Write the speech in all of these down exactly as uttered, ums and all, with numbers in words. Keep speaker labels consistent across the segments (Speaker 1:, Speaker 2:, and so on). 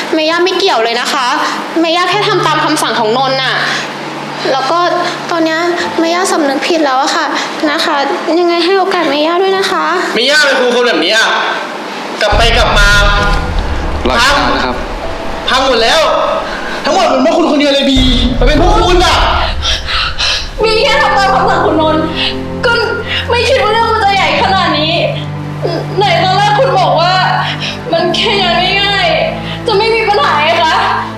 Speaker 1: เมย่าไม่เกี่ยวเลยนะคะเมย่าแค่ทำตามคำสั่งของนนท์น่ะแล้วก็ตอนนี้เมย่าสำนึกผิดแล้วอะค่ะนะคะยังไงให้โอกาสเมย่าด้วยนะคะ
Speaker 2: เมย่าเป็นครูคนแบบนี้อะกลับไปกลับมา
Speaker 3: พังนะครับ
Speaker 2: พังหมดแล้วทั้งหมดเป็นเพราะคุณคนเดียวเลยบีมันเป็นเพราะคุณอะ
Speaker 4: มีแค่ทำตามคำสั่งคุณนนท์ก็ไม่คิดว่าเรื่องมันจะใหญ่ขนาดนี้ไหนตอนแรกคุณบอกว่ามันแค่งานง่ายๆจะไม่มีปัญหาไงคะ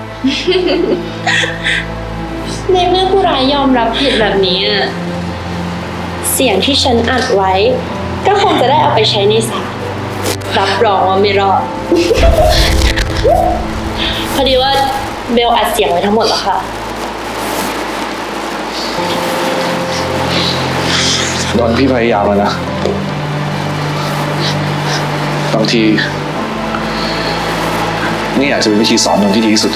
Speaker 5: ในเมื่อผู้ร้ายยอมรับผิดแบบนี้เสียงที่ฉันอัดไว้ก็คงจะได้เอาไปใช้ในศาลรับรองว่าไม่รอด พอดีว่าเบลอัดเสียงไว้ทั้งหมดแล้วค่ะ
Speaker 3: นนท์พี่พยายามแล้วนะบางทีนี่อาจจะเป็นวิธีสอนนนท์ที่ดีที่สุด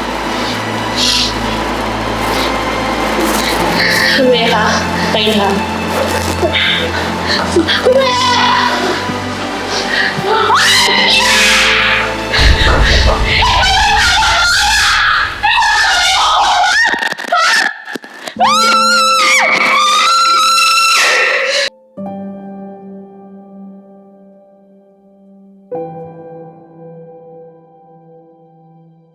Speaker 5: คุณเมย์คะไปกันค่ะคุณเมย์